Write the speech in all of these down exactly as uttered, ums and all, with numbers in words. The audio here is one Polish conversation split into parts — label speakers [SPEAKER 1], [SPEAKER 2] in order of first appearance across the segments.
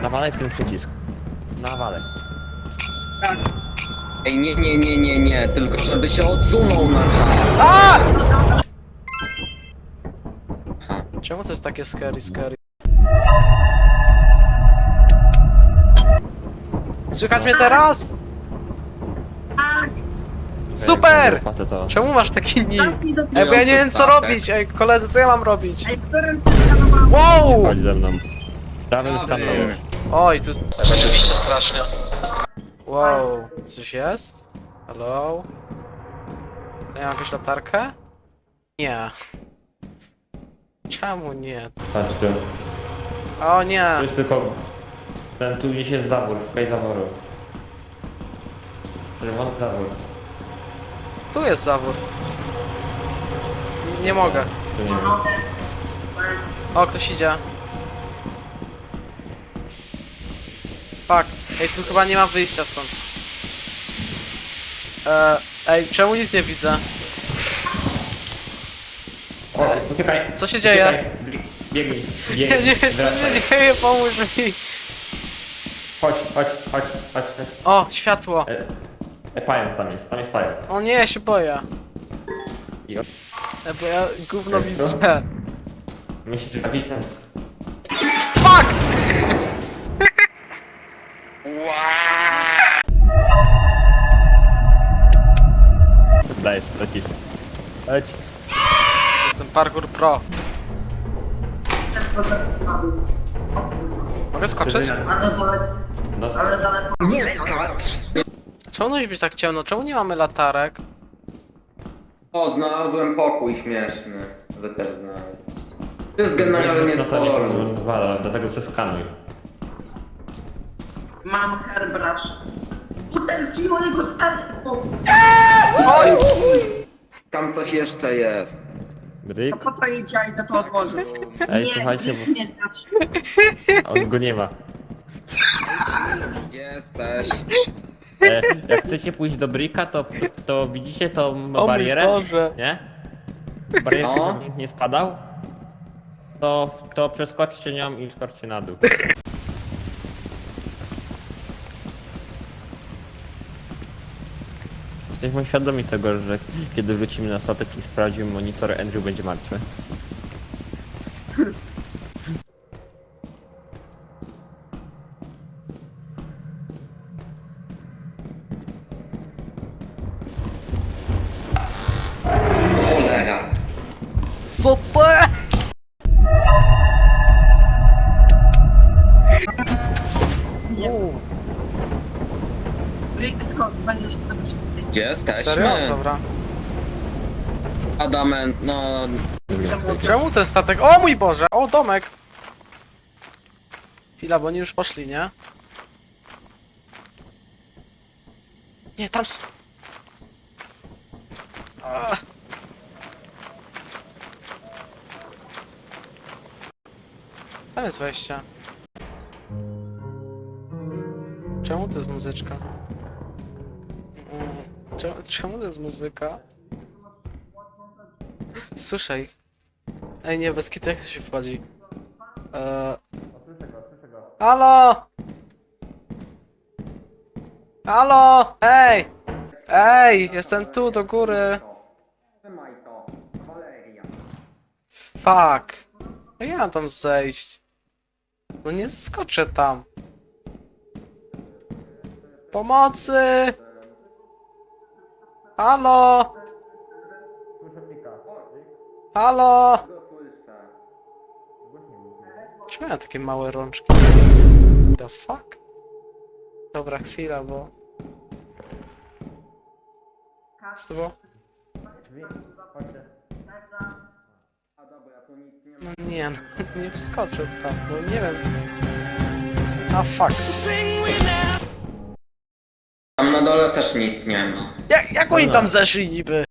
[SPEAKER 1] Nawalaj w ten przycisk. Nawalaj.
[SPEAKER 2] Tak.
[SPEAKER 3] Ej, nie, nie, nie, nie, nie, tylko żeby się odsunął na czas.
[SPEAKER 4] A!
[SPEAKER 3] Ha.
[SPEAKER 4] Czemu to jest takie scary, scary? Słychać mnie teraz?
[SPEAKER 2] Tak.
[SPEAKER 4] Super!
[SPEAKER 1] Płacę to.
[SPEAKER 4] Czemu masz taki nick?
[SPEAKER 2] Zamknij do...
[SPEAKER 4] Ej, bo ja nie wiem co
[SPEAKER 3] Statek.
[SPEAKER 4] robić, ej koledzy, co ja mam robić?
[SPEAKER 2] Ej, którym się skanowałem?
[SPEAKER 4] Wow!
[SPEAKER 1] Chodź ze mną. Prawym
[SPEAKER 3] Dobra.
[SPEAKER 1] skanem.
[SPEAKER 4] Oj, tu jest rzeczywiście strasznie. Wow, coś jest? Hello? Ja mam jakąś latarkę? Nie. Czemu nie?
[SPEAKER 1] Patrz tu.
[SPEAKER 4] O nie!
[SPEAKER 1] Tu jest tylko... Ten tu gdzieś jest zawór, szukaj zaworu. Czerwony zawór.
[SPEAKER 4] Tu jest zawór. Nie mogę.
[SPEAKER 1] Tu nie wiem.
[SPEAKER 4] O, ktoś idzie. Fuck. Ej, tu chyba nie ma wyjścia stąd. Eee, ej, czemu nic nie widzę?
[SPEAKER 1] O, uciekaj.
[SPEAKER 4] Co się dzieje?
[SPEAKER 1] Uciekaj. Biegnij,
[SPEAKER 4] Nie,
[SPEAKER 1] biegnij.
[SPEAKER 4] nie, co
[SPEAKER 1] Wracaj.
[SPEAKER 4] się dzieje? Pomóż mi!
[SPEAKER 1] Chodź, chodź, chodź, chodź, chodź.
[SPEAKER 4] O, światło!
[SPEAKER 1] E, e, pająk tam jest, tam jest pająk.
[SPEAKER 4] O nie, ja się boję.
[SPEAKER 1] I o...
[SPEAKER 4] E, bo ja gówno
[SPEAKER 1] Ej, co?
[SPEAKER 4] widzę.
[SPEAKER 1] Myślisz, że widzę?
[SPEAKER 4] Fuck!
[SPEAKER 1] Dajesz, lecisz. Leć.
[SPEAKER 4] Jestem parkour pro.
[SPEAKER 2] Ten procent spadł.
[SPEAKER 4] Mogę skoczyć?
[SPEAKER 2] Ale daleko.
[SPEAKER 1] No,
[SPEAKER 2] Ale daleko.
[SPEAKER 3] Nie skacz!
[SPEAKER 4] Czemu musi być tak ciemno? Czemu nie mamy latarek?
[SPEAKER 3] O, znalazłem pokój śmieszny. Wy też znaleźliście. To jest generalnie
[SPEAKER 1] no
[SPEAKER 3] z
[SPEAKER 1] to nie
[SPEAKER 3] koloru.
[SPEAKER 1] porozmawiam, dlatego se skanuj.
[SPEAKER 2] Mam hairbrush. Butelki mojego statku.
[SPEAKER 4] Oj!
[SPEAKER 3] Tam coś jeszcze jest.
[SPEAKER 1] Bryk?
[SPEAKER 2] To po to idzie, a idę to odłożyć.
[SPEAKER 1] Ej,
[SPEAKER 2] Nie,
[SPEAKER 1] słuchajcie,
[SPEAKER 2] nikt
[SPEAKER 1] bo
[SPEAKER 2] nie znać.
[SPEAKER 1] on go nie ma.
[SPEAKER 3] Gdzie jesteś?
[SPEAKER 1] E, jak chcecie pójść do Bricka, to, to widzicie tą
[SPEAKER 4] O mój
[SPEAKER 1] barierę?
[SPEAKER 4] Boże!
[SPEAKER 1] Nie? Barierkę,
[SPEAKER 3] No.
[SPEAKER 1] żeby nikt nie spadał? To, to przeskoczcie nią i skoczcie na dół. Jesteśmy świadomi tego, że kiedy wrócimy na statek i sprawdzimy monitor, Andrew będzie martwy.
[SPEAKER 3] Cholera.
[SPEAKER 4] Co to jest?
[SPEAKER 2] Nie.
[SPEAKER 4] U,
[SPEAKER 2] Rick Scott, będzie się tego szybciej.
[SPEAKER 3] Gdzie jesteśmy?
[SPEAKER 4] Serio? Dobra.
[SPEAKER 3] Adamant, no...
[SPEAKER 4] Czemu ten statek? O mój Boże! O, domek! Chwila, bo oni już poszli, nie? Nie, tam są! Ah. Tam jest wejście. Czemu to jest muzyczka? Mm, Czemu, czemu to jest muzyka? Słyszę ich. Ej, nie, bez kitu, jak to się wchodzi? Eee... Halo! Halo! Ej! Ej! Jestem tu, do góry!
[SPEAKER 3] Trzymaj to, Valeria.
[SPEAKER 4] Fuck! Jak ja mam tam zejść? No nie skoczę tam. Pomocy! Halo! Halo! Czemu ja takie małe rączki? The fuck? Dobra, chwila, bo... Co to było? No nie, no, nie wskoczył tam, bo nie wiem. A fuck.
[SPEAKER 3] Tam na dole też nic nie ma.
[SPEAKER 4] Jak, jak oni tam zeszli niby?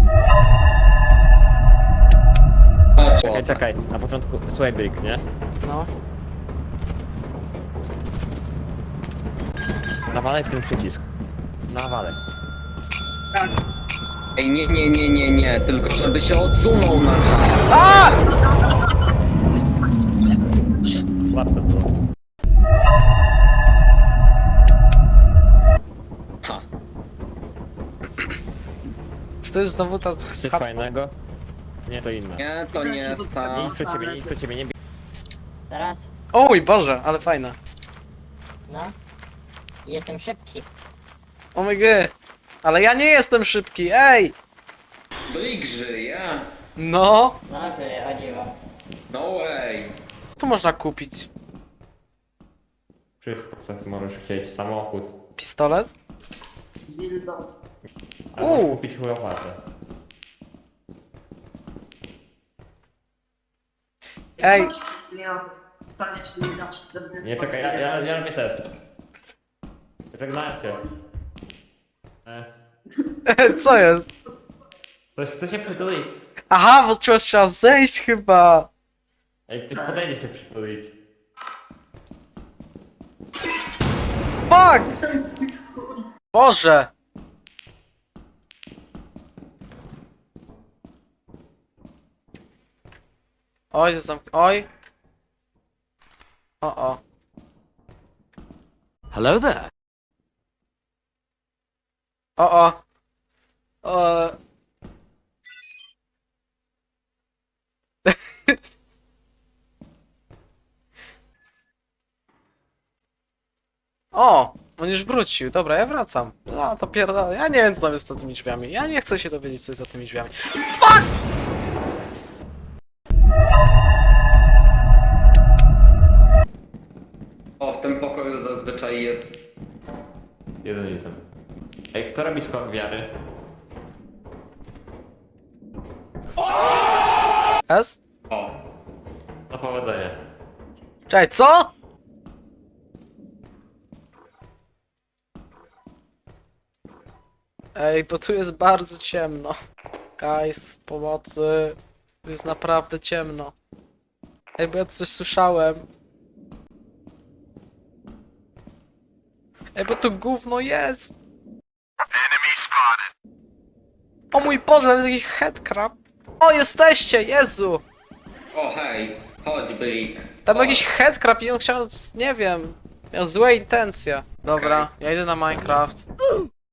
[SPEAKER 1] Czekaj, czekaj, na początku, słuchaj Brick, nie?
[SPEAKER 4] No.
[SPEAKER 1] Nawalaj w ten przycisk. Nawalaj.
[SPEAKER 2] Tak.
[SPEAKER 3] Ej, nie, nie, nie, nie, nie, tylko żeby się odsunął na czas.
[SPEAKER 4] A!
[SPEAKER 1] Łap to było.
[SPEAKER 4] to jest znowu ta
[SPEAKER 1] Coś
[SPEAKER 4] z chatką?
[SPEAKER 1] fajnego? Nie, to inne.
[SPEAKER 3] Nie, to nie jest ta.
[SPEAKER 1] Nic przed ciebie, nic przed ciebie, nie bij.
[SPEAKER 5] Teraz,
[SPEAKER 4] O mój Boże, ale fajne.
[SPEAKER 5] no. Jestem szybki.
[SPEAKER 4] O my god. Ale ja nie jestem szybki, ej!
[SPEAKER 3] Blik żyje.
[SPEAKER 4] No,
[SPEAKER 5] No o co chodziło?
[SPEAKER 3] No way.
[SPEAKER 4] tu można kupić
[SPEAKER 1] Wszystko, co możesz chcieć, samochód.
[SPEAKER 4] pistolet.
[SPEAKER 2] Dildo.
[SPEAKER 1] A możesz
[SPEAKER 4] Uuu.
[SPEAKER 1] kupić łopatę.
[SPEAKER 4] Ej.
[SPEAKER 2] Nie, no to pytanie, czy nie dasz. żeby
[SPEAKER 1] Nie, czekaj, ja, ja, ja robię test. Żegnałem cię. E,
[SPEAKER 4] Co jest?
[SPEAKER 1] coś chce się przytulić.
[SPEAKER 4] Aha, bo trzeba, trzeba zejść chyba.
[SPEAKER 1] Ej, ty podejdziesz się przytulić.
[SPEAKER 4] Fuck! Boże! Oj, to zamk... Oj. O, o.
[SPEAKER 6] Hello there.
[SPEAKER 4] O, o. O. O! On już wrócił. Dobra, ja wracam. No to pierdolę. Ja nie wiem, co tam jest za tymi drzwiami. Ja nie chcę się dowiedzieć, co jest za tymi drzwiami.
[SPEAKER 3] O, w tym pokoju zazwyczaj jest.
[SPEAKER 1] Jeden item. Ej, kto robi skok wiary?
[SPEAKER 4] S?
[SPEAKER 3] O.
[SPEAKER 1] No powodzenia.
[SPEAKER 4] Czekaj, co? Ej, bo tu jest bardzo ciemno. Guys, pomocy. Tu jest naprawdę ciemno. Ej, bo ja tu coś słyszałem. Ej, bo tu gówno jest. O mój Boże, tam jest jakiś headcrab. O, jesteście, Jezu!
[SPEAKER 3] O, hej. Chodź, Blik.
[SPEAKER 4] Tam
[SPEAKER 3] Chodź.
[SPEAKER 4] jakiś headcrab i on chciał, nie wiem, miał złe intencje. Dobra, ja idę na Minecraft.